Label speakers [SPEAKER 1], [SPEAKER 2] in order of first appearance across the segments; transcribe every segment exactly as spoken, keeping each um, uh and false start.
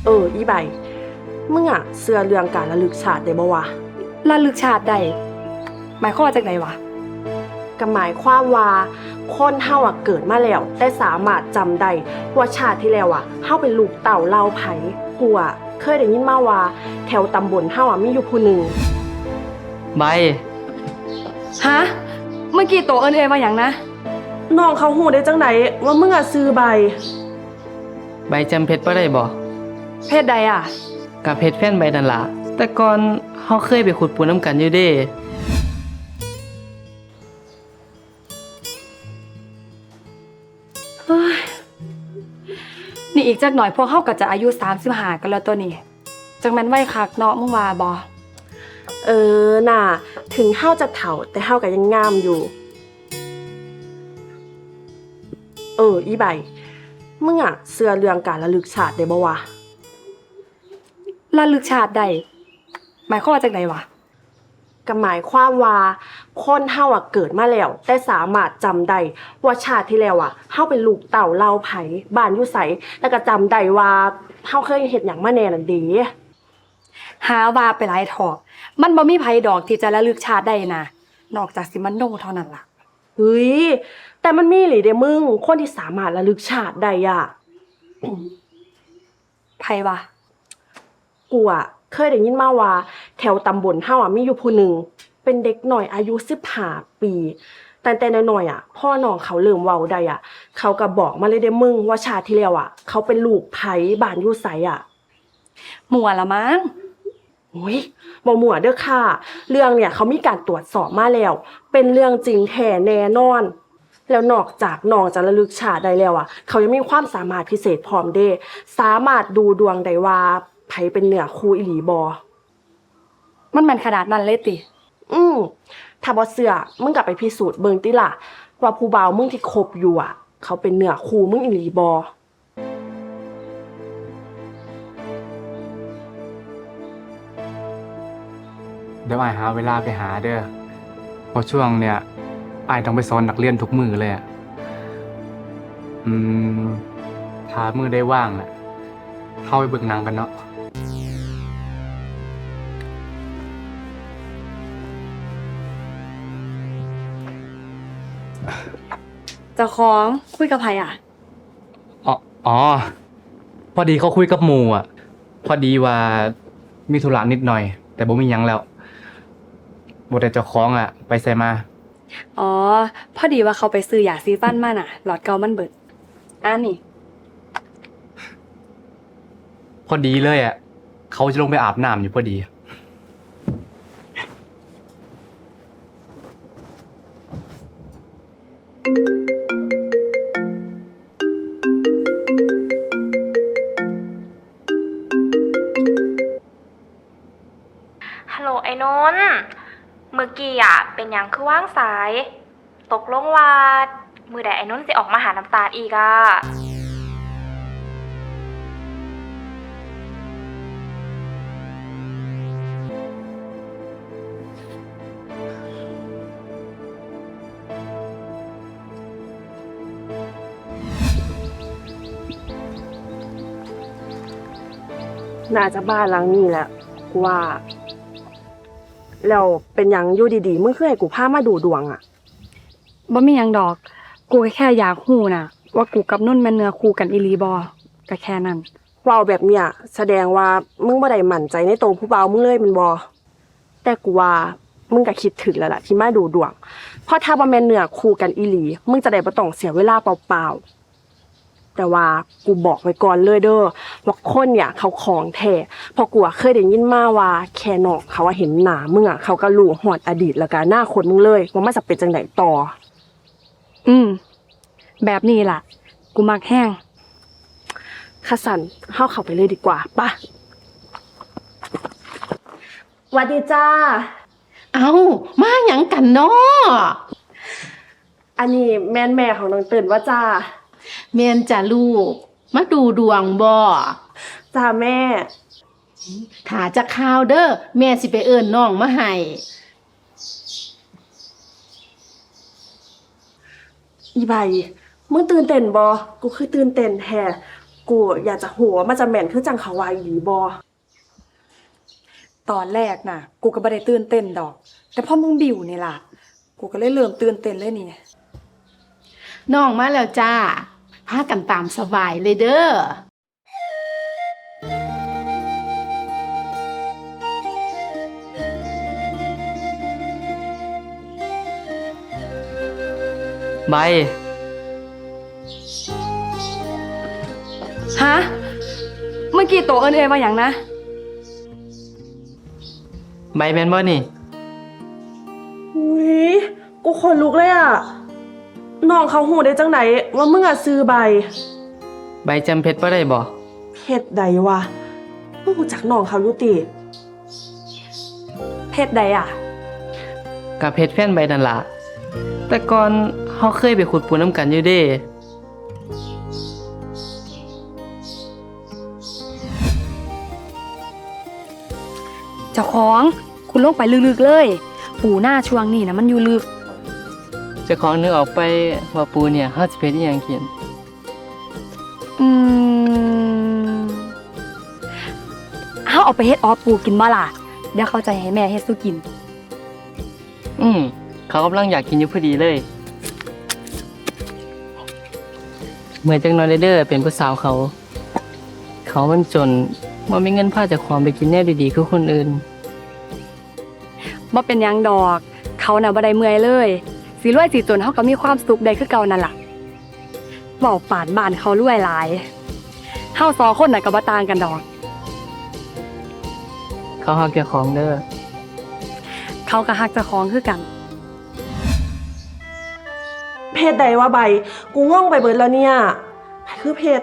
[SPEAKER 1] เอออีใบมึงอะเชื่อเรื่องการระลึกชาติได้บ่วะ
[SPEAKER 2] ระลึกชาติได้หมายความว่าจากไหนวะ
[SPEAKER 1] ก็หมายความว่าคนเฮาอะเกิดมาแล้วแต่สามารถจำได้ว่าชาติที่แล้วอะเฮาเป็นลูกเต่าเล่าไผกูอะเคยได้ยินมาว่าแถวตำบลเฮาอะมีอยู่ผู้หนึ่ง
[SPEAKER 3] ใบ
[SPEAKER 2] ฮะเมื่อกี้โตเอิ้นเอยว่าหยังนะ
[SPEAKER 1] น้องเขาฮู้ได้จังไดว่ามึงอะซื้อใบ
[SPEAKER 3] ใบจำเพชรบ่ได้บ่
[SPEAKER 2] เพศใดอ่ะ
[SPEAKER 3] กับเพชรแฟนใบนั่นล่ะแต่ก่อนเฮาเคยไปขุดปูน้ำกันอยู่เด้
[SPEAKER 2] เฮ้ยนี่อีกจักหน่อยพวกเฮาก็จะอายุสามสิบห้ากันแล้วตัวนี้จังแม่นไว้คักเนาะมึงว่าบ่
[SPEAKER 1] เออน่ะถึงเฮาจะเฒ่าแต่เฮาก็ยังงามอยู่เอออีใบมึงอะเชื่อเรื่องการระลึกชาติได้บ่วะ
[SPEAKER 2] ระลึกชาติได้หมายความว่าจากไหนวะ
[SPEAKER 1] ก็หมายความว่าคนเฮาอะเกิดมาแล้วแต่สามารถจำได้ว่าชาติที่แล้วอะเฮาเป็นลูกเต่าเล่าไผบ้านอยู่ไสแล้วก็จำได้ว่าเฮาเคยเฮ็ดหยังมาแน่นั่นเด้
[SPEAKER 2] หาว่าไปหลายถอกมันบ่มีไผดอกที่จะระลึกชาติได้นะนอกจากสิมันโนเท่านั้นล่ะ
[SPEAKER 1] เฮ้ยแต่มันมีหลิเด้มึงคนที่สามารถระลึกชาติได้อะ
[SPEAKER 2] ไผวะ
[SPEAKER 1] กูอะเคยได้ยินมาว่าแถวตำบลเฮาอะมีอยู่ผู้หนึ่งเป็นเด็กหน่อยอายุสิบห้าปีแต่แต่น้อยๆอะพ่อน้องเขาเริ่มเว้าได้อะเขาก็บอกมาเลยเด้มึงว่าชาติที่แล้วอะเขาเป็นลูกไผบ้านอยู่ไสอะ
[SPEAKER 2] มั่วละมั้ง
[SPEAKER 1] โอ้ยบ่มั่วเด้อค่ะเรื่องเนี่ยเขามีการตรวจสอบมาแล้วเป็นเรื่องจริงแท้แน่นอนแล้วนอกจากน้องจะระลึกชาติได้แล้วอะเขายังมีความสามารถพิเศษพร้อมเด้สามารถดูดวงได้ว่าไผเป็นเนื้อคู่อีหลีบ่
[SPEAKER 2] มันแม่นขนาดนั้นเลยติ
[SPEAKER 1] อืมถ้าบ่เชื่อมึงกลับไปพิสูจน์เบิ่งติล่ะว่าผู้บ่าวมึงที่คบอยู่อ่ะเขาเป็นเนื้อคู่มึงอีหลีบ่
[SPEAKER 4] เดี๋ยวอ้ายหาเวลาไปหาเด้อเพราะช่วงเนี่ยอ้ายต้องไปสอนนักเรียนทุกมื้อเลยอ่ะอืมถ้ามื้อได้ว่างน่ะเข้าไปเบิ่งหนังกันเนาะ
[SPEAKER 2] เจ้าของคุยกับไผอ่ะ
[SPEAKER 4] อ๋ออ๋อพอดีเขาคุยกับหมู่อ่ะพอดีว่ามีธุระนิดหน่อยแต่บ่มีหยังแล้วบ่ได้เจ้าของอ่ะไปไสมา
[SPEAKER 2] อ๋อพอดีว่าเขาไปซื้อยาซีฟันมาน่ะหลอดเก่ามันเบิดอ่านี่
[SPEAKER 4] พอดีเลยอ่ะเขาจะลงไปอาบน้ำอยู่พอดี
[SPEAKER 5] ฮัลโหลไอ้นนท์เมื่อกี้อ่ะเป็นหยังคือว่างสายตกลงว่ามือใดไอ้นนท์สิออกมาหาน้ำตาลอีกอ่ะ
[SPEAKER 1] น่าจะบ้านหลังนี้แหละกูว่าแล้วเป็นหยังอยู่ดีๆมึงคือให้กูพามาดูดวงอ่ะ
[SPEAKER 2] บ่มีหยังดอกกูแค่อยากฮู้น่ะว่ากูกับนุ่นแม่นเนื้อคู่กันอีหลีบ่ก็แค่นั้น
[SPEAKER 1] เว้าแบบเนี้ยแสดงว่ามึงบ่ได้มั่นใจในตัวผู้บ่าวมึงเลยแม่นบ่แต่กูว่ามึงก็คิดถึงแล้วล่ะที่มาดูดวงเพราะถ้าบ่แม่นเนื้อคู่กันอีหลีมึงจะได้บ่ต้องเสียเวลาเปล่าๆแต่ว่ากูบอกไว้ก่อนเลยเด้อว่าคนเนี่ยเขาของแท้เพราะกูเคยได้ยินมาว่าแค่นอกเขาว่าเห็นหน้ามึงอ่ะเขาก็รู้ฮอดอดีตแล้วก็อนาคตมึงเลยว่ามันจะเป็นจังได๋ต่อ
[SPEAKER 2] อืมแบบนี้ล่ะกูมักแห้ง
[SPEAKER 1] ค่ะสั่นเฮาเข้าไปเลยดีกว่าป่ะสวัสดีจ้า
[SPEAKER 6] เอ้ามาหยังกันเนาะ
[SPEAKER 1] อันนี้แม่นแม่ของน้องเติ้นว่าจ้า
[SPEAKER 6] แม่นจ้ะลูกมาดูดวงบ่
[SPEAKER 1] จ้าแม่
[SPEAKER 6] ถ้าจะข่าวเด้อแม่สิไปเอิ้นน้องมาให้
[SPEAKER 1] อีใบมึงตื่นเต้นบ่กูคือตื่นเต้นแท้กกูอยากจะหัวามันจะแม่นคือจังเขาว่าอีหลีบ่
[SPEAKER 2] ตอนแรกน่ะ กูก็บ่ได้ตื่นเต้นดอก แต่พอมึงบิวนี่ล่ะ กูก็เลยเริ่มตื่นเต้นเลยนี่
[SPEAKER 6] น้องมาแล้วจ้าพากันตามสบายเลยเด้อ
[SPEAKER 3] ใบ
[SPEAKER 2] ฮะ เมื่อกี้โตเอิ้นเอยว่าหยังนะ
[SPEAKER 3] ใบแม่นบ่นี่
[SPEAKER 1] อุ้ยกูขนลุกเลยอ่ะน้องเขาหูได้จังไหนว่ามึงอ่ะซื้อใบ
[SPEAKER 3] ใบจำเพชรบ่ได้บ่
[SPEAKER 1] เพชรใดวะมึงรู้จักน้องเขาอยู่ติ
[SPEAKER 2] เพศใดอ่ะ
[SPEAKER 3] กับเพชรแฟนใบนั่นล่ะแต่ก่อนเฮาเคยไปขุดปูนำกันอยู่เด้
[SPEAKER 2] เจ้าของคุณลงไปลึกๆเลย ปูหน้าช่วงนี้นะมันอยู่ลึก
[SPEAKER 3] เจ้าของนึกออกไปว่าปูเนี่ยเฮาสิเพชรอีหยังกิน
[SPEAKER 2] อืมเฮาเอาไปเฮ็ดออปูกินบ่ล่ะ เดี๋ยวเขาจะให้แม่เฮ็ดสู้กิน
[SPEAKER 3] อืมเขากำลังอยากกินอยู่พอดีเลย เมื่อจังน้อยเด้อเป็นผู้สาวเขา เขามันจนบ่มีเงินพาเจ้าของไปกินแนวดีๆคือคนอื่น
[SPEAKER 2] บ่เป็นหยังดอก เขาน่ะบ่ได้เมื่อยเลยสิรวยสิจนเฮาก็มีความสุขได้คือเก่านั่นล่ะเว้าปานบ้านเขารวยหลายเฮาสองคนน่ะก็บ่ต่างกันดอก
[SPEAKER 3] เขาฮักเจ้าของเด้อ
[SPEAKER 2] เขาก็ฮักเจ้าของคือกัน
[SPEAKER 1] เพชรใดวะใบ กูงงไปเบิดแล้วเนี่ยใครคือเพชร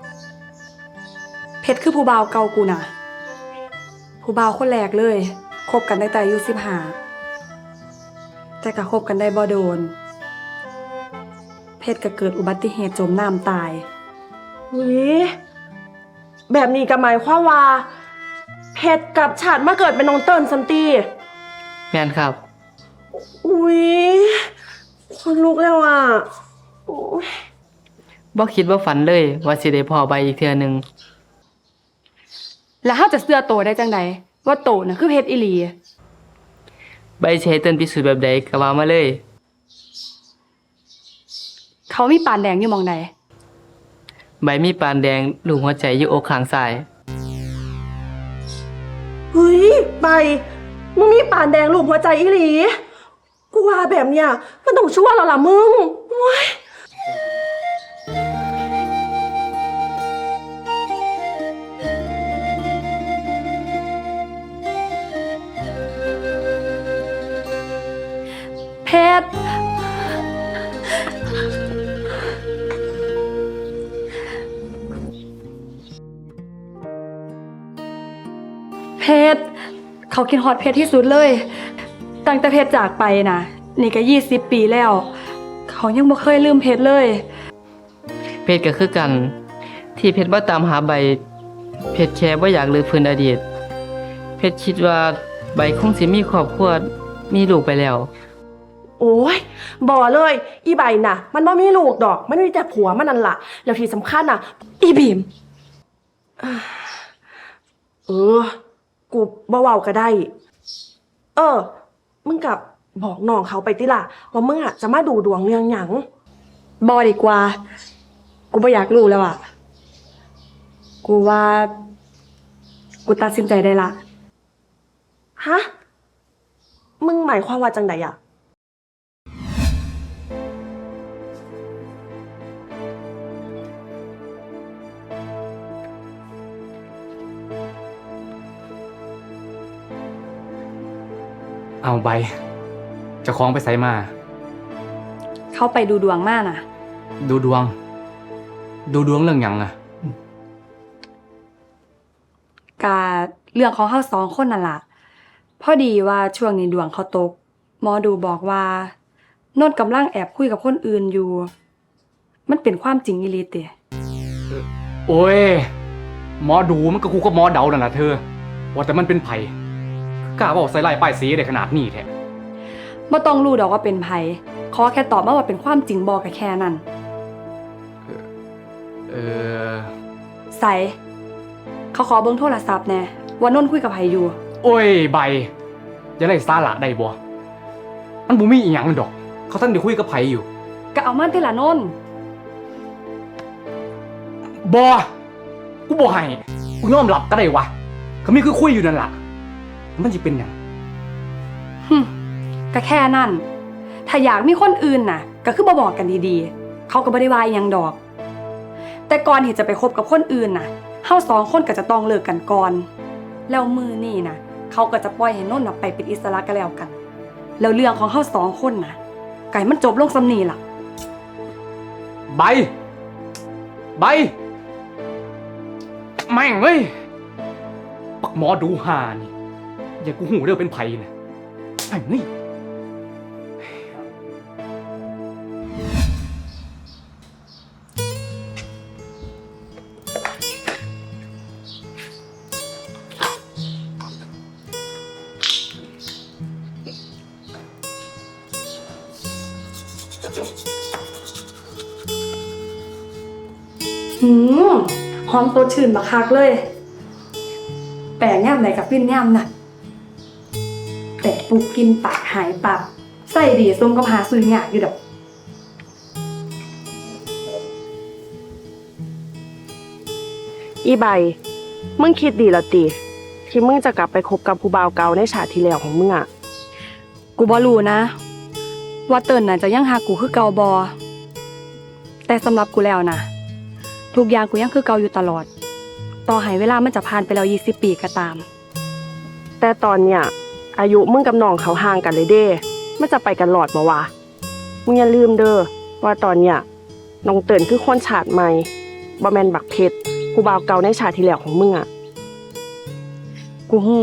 [SPEAKER 2] เพชรคือผู้บ่าวเก่ากูน่ะ ผู้บ่าวคนแรกเลยคบกันตั้งแต่อายุสิบห้าแต่ก็คบกันได้บ่โดน เพชรก็เกิดอุบัติเหตุจมน้ำตาย
[SPEAKER 1] อุ้ยแบบนี้ก็หมายความว่า เพชรกับฉันมาเกิดเป็นน้องเติ้ลซันตี
[SPEAKER 3] แม่นครับ
[SPEAKER 1] อุ้ยคนลุกแล้วอ่ะโอ้ย
[SPEAKER 3] บ่คิดว่าฝันเลยว่าสิได้พอใบอีกเทื่อหนึง
[SPEAKER 2] แล้วเฮาจะเชื่อโตได้จังใดว่าโตน่ะคือเพชรอีหลี
[SPEAKER 3] ใบสิให้เติ้นพิสูจน์แบบใดก็ว่ามาเลย
[SPEAKER 2] เขามีปานแดงอยู่หม่องใด
[SPEAKER 3] ใบมีปานแดงลูกหัวใจอยู่อกข้างซ้าย
[SPEAKER 1] เฮ้ยใบมึงมีปานแดงรูปหัวใจอีหลี กูว่าแบบเนี้ยมันต้องชั่วแล้วล่ะมึงโอ้ย
[SPEAKER 2] เพชรเพชรเขากินฮอตเพชรที่สุดเลย ตั้งแต่เพชรจากไปนะนี่ก็ยี่สิบปีแล้ว เขายังบ่เคยลืมเพชรเลย
[SPEAKER 3] เพชรก็คือกัน ที่เพชรบ่ตามหาใบ เพชรแค่บ่อยากลืมพื้นอดีต เพชรคิดว่าใบคงสิมีครอบครัวมีลูกไปแล้ว
[SPEAKER 1] โอ้ยบ่เลย อีใบน่ะ มันบ่มีลูกดอก มันมีแต่ผัวมันนั่นล่ะ แล้วที่สำคัญน่ะ อีบีมเออ กูบ่เว้าก็ได้ เออ มึงกับบอกน้องเขาไปติล่ะ ว่ามึงอ่ะจะมาดูดวงเรื่องหยัง
[SPEAKER 2] บอดีกว่า กูไม่อยากรู้แล้วอ่ะ กูว่า กูตัดสินใจได้ละ
[SPEAKER 1] ฮะ มึงหมายความว่าจังใดอ่ะ
[SPEAKER 4] เอาใบเจะคล้าของไปไสมา
[SPEAKER 2] เข้าไปดูดวงมากนะ
[SPEAKER 4] ดูดวง ดูดวงเรื่องหยังอะ
[SPEAKER 2] กาเรื่องของเฮาสองคนนั่นล่ะ พอดีว่าช่วงนี้ดวงเขาตก หมอดูบอกว่าโนนกำลังแอบคุยกับคนอื่นอยู่ มันเป็นความจริงอีหลีติ
[SPEAKER 4] โอ้ยหมอดูมันก็กูก็หมอเดานั่นแหละเธอ ว่าแต่มันเป็นไผกล้าบอกใส่ลายป้ายสีได้ขนาดนี้แท้
[SPEAKER 2] บ่ต้องรู้ดอกว่าเป็นไผขอแค่ตอบมาว่าเป็นความจริงบอกก็แค่นั้น
[SPEAKER 4] เออ
[SPEAKER 2] ใส่เขาขอเบิ่งโทรศัพท์แน่ว่านนท์คุยกับไผอยู่
[SPEAKER 4] โอ้ยใบอย่าไล่สาระได้บ่มันบ่มีอีหยังดอก เขาท่านได้คุยกับไผอยู่
[SPEAKER 2] ก็เอามันที่ละนนท์
[SPEAKER 4] บ่กูบ่ให้กูยอมรับก็ได้วะเขามีคือคุยอยู่นั่นล่ะมันสิเป็นหยัง
[SPEAKER 2] หึก็แค่นั้นถ้าอยากมีคนอื่นน่ะ ก็คือบ่บอกกันดีๆเขาก็บ่ได้ว่าอิหยังดอก แต่ก่อนที่จะไปคบกับคนอื่นน่ะเฮาสองคนก็จะต้องเลิกกันก่อนแล้วมือนี่น่ะเขาก็จะปล่อยให้นนท์น่ะไปเป็นอิสระกันแล้วกัน แล้วเรื่องของเฮาสองคนน่ะไก่มันจบลงซำนี้ล่ะ
[SPEAKER 4] ใบ ใบ แม่งเว้ยปักหมอดูหานี่อย่ากูหูเด้อเป็นไผนะไอ้นี่
[SPEAKER 2] หืมหอมตัวชื่นบักคักเลย แปลงย่ำไหนกับฟินย่ำน่ะแต่ปลูกกินปากหายปากใส่ดีส้มก็พาซื้อหยากอยู่ดอก
[SPEAKER 1] อีใบ มึงคิดดีแล้วติที่มึงจะกลับไปคบกับผู้บ่าวเก่าในชาติที่แล้วของมึงอ่ะ
[SPEAKER 2] กูบ่รู้นะ ว่าเติ้นน่ะจะยังหากูคือเก่าบอแต่สำหรับกูแล้วนะทุกอย่างกูยังคือเก่าอยู่ตลอด ต่อให้เวลามันจะผ่านไปแล้วยี่สิบปีก็ตาม
[SPEAKER 1] แต่ตอนเนี้ยอายุมึงกับน้องเขาห่างกันเลยเด้มันจะไปกันหลอดมาวะมึงอย่าลืมเด้อว่าตอนเนี้ยน้องเตินคือคนชาติใหม่บ่แม่นบักเพชรผู้บ่าวเก่าในชาติที่แล้วของมึงอ่ะ
[SPEAKER 2] กูฮู้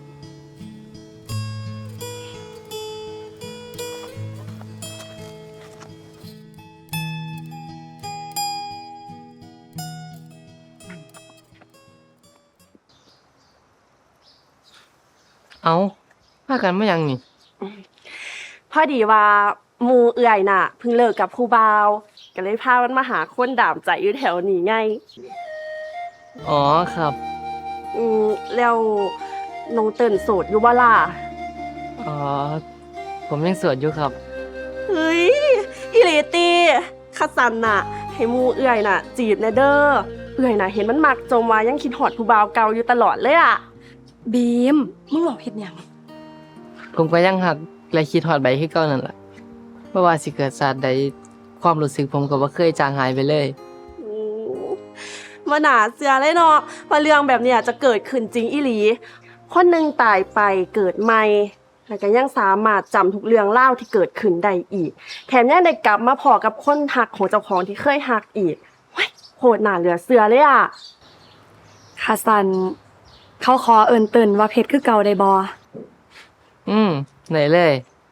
[SPEAKER 3] เอาพากันมายังนี่
[SPEAKER 1] พอดีว่าหมู่เอื่อยน่ะเพิ่งเลิกกับผู้บ่าวก็เลยพามันมาหาคนดามใจอยู่แถวนี้ไง
[SPEAKER 3] อ๋อครับ
[SPEAKER 1] อืมแล้วน้องเตินโสดอยู่บ่ล่ะ
[SPEAKER 3] อ๋อ ผมยังโสวดอยู่ครับ
[SPEAKER 1] เฮ้ยอีหลีตีคัดสันน่ะ ให้หมูเอื่อยน่ะ จีบแน่เด้อเอื่อยน่ะ เห็นมันมักจมว่ายังคิดฮอดผู้บ่าวเก่าอยู่ตลอดเลยอ่ะ
[SPEAKER 2] บีมมึงหลอกเฮ็ดหยัง
[SPEAKER 3] ผมก็ยังหักและคิดฮอดใบคือเก่านั่นล่ะบ่ว่าสิเกิดศาสตร์ใดความรู้สึกผมก็บ่เคยจางหายไปเลย
[SPEAKER 1] อืมมาหนาเสือเลยเนาะว่าเรื่องแบบเนี้ยจะเกิดขึ้นจริงอีหลี คนหนึ่งตายไปเกิดใหม่ แล้วก็ยังสามารถจำทุกเรื่องเล่าวที่เกิดขึ้นได้อีก แถมยังได้กลับมาพอกับคนหักของเจ้าของที่เคยหักอีกเฮ้ยโหดหนาเหลือเสือเลยอ่ะ
[SPEAKER 2] คาซัน เขาขอเอิ้นเติ้นว่าเพชรคือเก่าได้บ่
[SPEAKER 3] อืมไหนเลย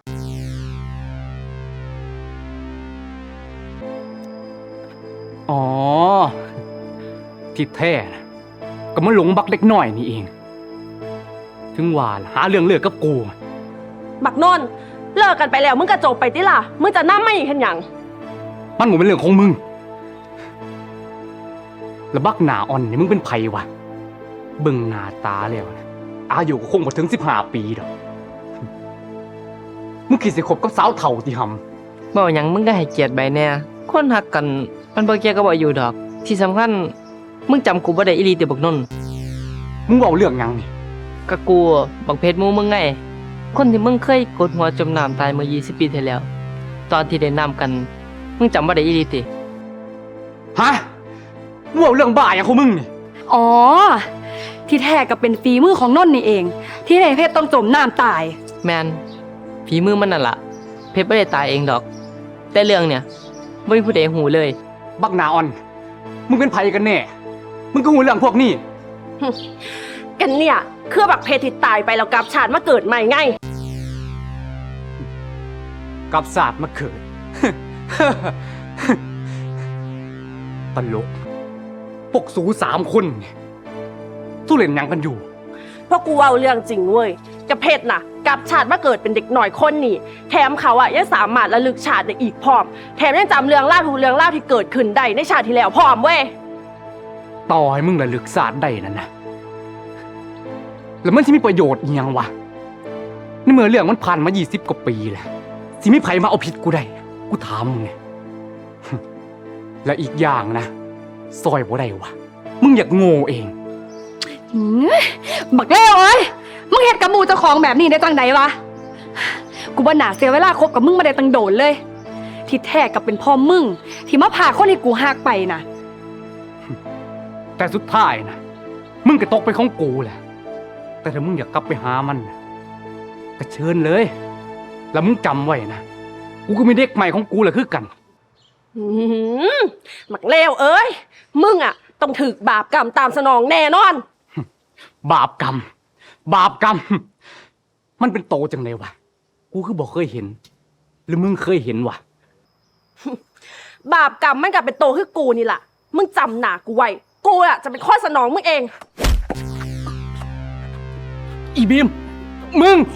[SPEAKER 4] อ๋อ ที่แท้นะก็มาหลงบักเล็กน้อยนี่เอง ถึงว่าล่ะหาเรื่องเลิกกับกู
[SPEAKER 1] บักนนท์เลิกกันไปแล้วมึงกระจบไปติล่ะ มึงจะน้ำไม่อีกเห็นหยัง
[SPEAKER 4] มันหมดเป็นเรื่องของมึง แล้วบักหนาอ่อนนี่มึงเป็นไผวะ เบิ่งหน้าตาแล้วนะอายุก็คงบ่ถึงสิบห้าปีดอก มึงคิดสิคบกับสาวเฒ่าที่หำ
[SPEAKER 3] บ่หยังมึงก็ให้เกียรติใบแน่คนหักกัน มันบ่เกี่ยวกับอายุดอก ที่สำคัญมึงจำกูบ่ได้อีหลีติบักนนท์
[SPEAKER 4] มึงเว้าเรื่องหยังนี่
[SPEAKER 3] ก็กูบักเพชรหมู่มึงไง คนที่มึงเคยกดหัวจมน้ำตายเมื่อยี่สิบปีที่แล้ว ตอนที่ได้น้ำกัน มึงจำบ่ได้อีหลีติ
[SPEAKER 4] ฮะ มึงเว้าเรื่องบ้าหยังของมึงนี่
[SPEAKER 2] อ๋อ ที่แท้ก็เป็นฝีมือของนนท์นี่เอง ที่ให้เพชรต้องจมน้ำตาย
[SPEAKER 3] แมนฝีมือมันนั่นล่ะ เพชรบ่ได้ตายเองดอก แต่เรื่องเนี่ยบ่มีผู้ใดหูเลย
[SPEAKER 4] บักหนาอ่อน มึงเป็นไผกันแน่ มึงก็หูเรื่องพวกนี้
[SPEAKER 1] กันเนี่ยคือบักเพชรที่ตายไปแล้วกลับชาติมาเกิดใหม่ไง
[SPEAKER 4] กับศาสตร์มาเกิด ตลกพวกสูสามคนเนี่ยสู้เล่นหยังกันอยู่
[SPEAKER 1] เพราะกูเอาเรื่องจริงเว้ยกับเพชรน่ะกลับชาติมาเกิดเป็นเด็กหน่อยคนนี่แถมเขาอะยังสามารถระลึกชาติได้อีกพร้อม แถมยังจำเรื่องเล่าวทุกเรื่องเล่าวที่เกิดขึ้นได้ในชาติที่แล้วพร้อมเว้ย
[SPEAKER 4] ต่อให้มึงระลึกศาสตร์ได้นั่นนะแล้วมันสิมีประโยชน์อิหยังวะในเมื่อเรื่องมันผ่านมายี่สิบกว่าปีแล้วสิมีไผมาเอาผิดกูได้กูถามมึงไง และอีกอย่างนะซอยบ่ได้วะมึงอยากโง่เอง
[SPEAKER 2] หืมบักเลวเอ้ยมึงเฮ็ดกับหมูเจ้าของแบบนี้ได้จังไดวะ กูบ่น่าเสียเวลาคบกับมึงมาได้ตั้งโดนเลย ที่แท้กับเป็นพ่อมึง ที่มาพาคนที่กูหักไปน่ะ
[SPEAKER 4] แต่สุดท้ายนะมึงก็ตกไปนของกูแหละแต่ถ้ามึงอยากกลับไปหามันนะก็เชิญเลย แล้วมึงจำไว้นะกูก็มีเด็กใหม่ของกูแหละคือกัน
[SPEAKER 1] หืมหมักเลวเอ้ย มึงอะต้องถึกบาปกรรมตามสนองแน่นอน
[SPEAKER 4] บาปกรรม บาปกรรม มันเป็นโตจังเลยวะกูคือบอกเคยเห็น หรือมึงเคยเห็นวะ
[SPEAKER 1] บาปกรรมมันกลับเป็นโตคือกูนี่แหละมึงจำหนากูไว้กูอะจะเป็นข้อสนองมึงเอง
[SPEAKER 4] อีบีม มึง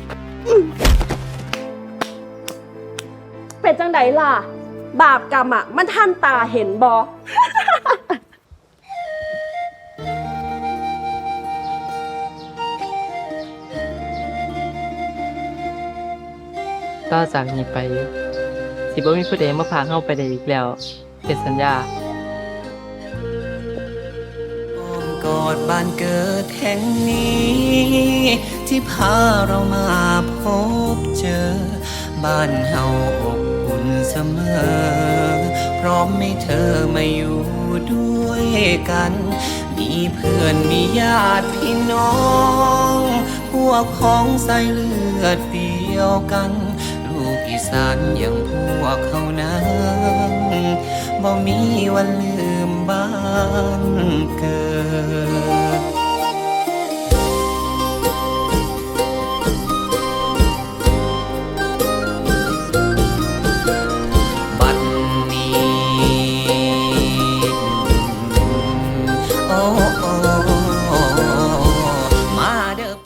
[SPEAKER 1] เป็นจังไดล่ะ บาปกรรมอะมันท่านตาเห็นบอ
[SPEAKER 3] ต่อจากนี้ไป สิบ่มีผู้ใดมาพาเฮาไปได้อีกแล้วเป็นสัญญา
[SPEAKER 7] อ้อมกอดบ้านเกิดแห่งนี้ ที่พาเรามาพบเจอ บ้านเฮาอบอุ่นเสมอ พร้อมให้เธอมาอยู่ด้วยกัน มีเพื่อนมีญาติพี่น้อง พวกของสายเลือดเดียวกัน ลูกอีสานอย่างพวกเขานั้นบ่มีวันลืมบ้านเกิด บัดนี้ โอ้